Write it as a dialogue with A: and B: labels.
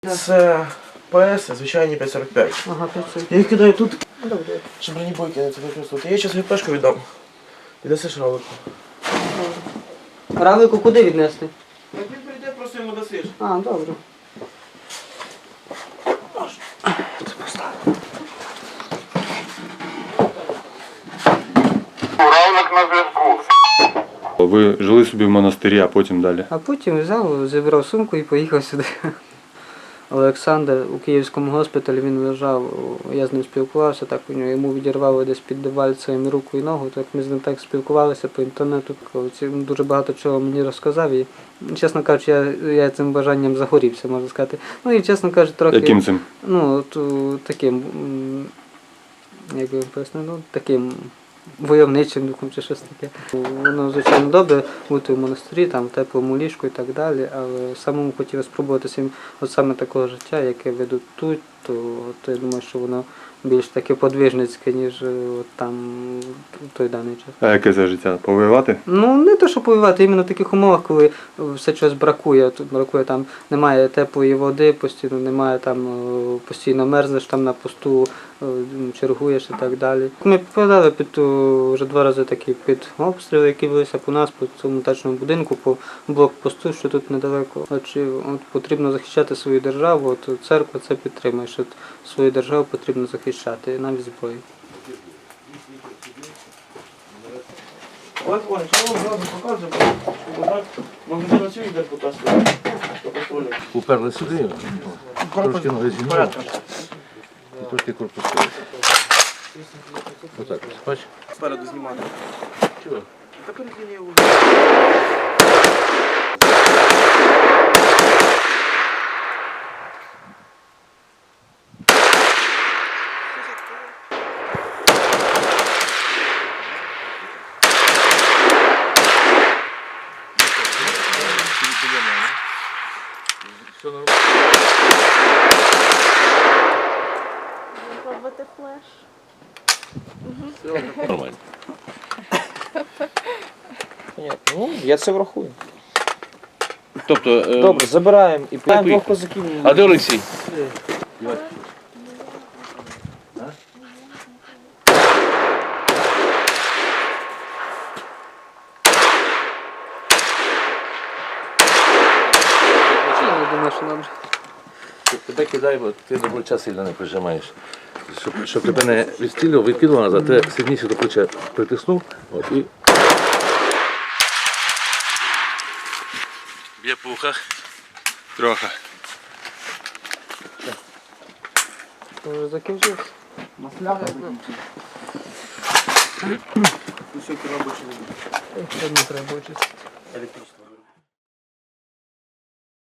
A: Це ПС, звичайні 5,45.
B: Ага, 500.
A: Я їх кидаю тут,
B: Добре.
A: щоб бронебойки не використовувати. Я зараз ГПшку віддам. Віддасиш равлику.
B: Равлику куди віднести?
A: Як він прийде, просто йому дасиш.
B: А, добре.
C: Равлик на зв'язку.
D: Ви жили собі в монастирі, а потім далі.
B: А потім взяв, зібрав сумку і поїхав сюди. Олександр у Київському госпіталі, він лежав, я з ним спілкувався, так у нього йому відірвало десь під дебальцем руку і ногу, так ми з ним так спілкувалися по інтернету, дуже багато чого мені розказав і, чесно кажучи, я цим бажанням загорівся, можна сказати. Ну і, чесно кажучи, трохи...
D: Яким цим?
B: Ну, таким, як би пояснити, ну, таким войовничим духом чи щось таке. Воно, звичайно, добре бути в монастирі, там, в теплому ліжку і так далі, але самому хотілося спробувати от саме такого життя, яке ведуть тут, то я думаю, що воно більш таке подвижницьке, ніж от там в той даний час.
D: А яке це життя? Повоювати?
B: Ну, не те, що повоювати, іменно в таких умовах, коли все щось бракує. Тут бракує, там немає теплої води, постійно немає, там постійно мерзнеш там на посту, чергуєш і так далі. Ми попадали під вже 2 рази такі під обстріли, які велися по нас, по цьому дачному будинку, по блокпосту, що тут недалеко. От потрібно захищати свою державу, от церква це підтримує, що свою державу потрібно захищати, навіть зброю.
A: Ось, що вам зразу показую, щоб так могли цю йде показувати.
E: Уперли сюди, трошки ноги зігнули і трошки корпус сюди. Отак, бач?
A: Спереду знімати.
E: Чого?
A: Та перекині його.
E: Все нормально.
F: Пробувати флеш.
E: Нормально.
G: Понятно. Ну, я це врахую.
E: Тобто,
G: Добре, забираємо і
E: поїхали.
G: двох козаків.
E: а де Олексій?
B: Я думаю, що добре.
E: Тебе кидай, бо ти до плеча сильно не прижимаєш. Щоб тебе не відкидувало назад, ти сильніше до плеча притиснув. От, і... Б'є по ухах.
D: Трохи.
B: Вже закінчився.
A: Усьоки робочі.
B: Не треба очистити.
A: Електричество.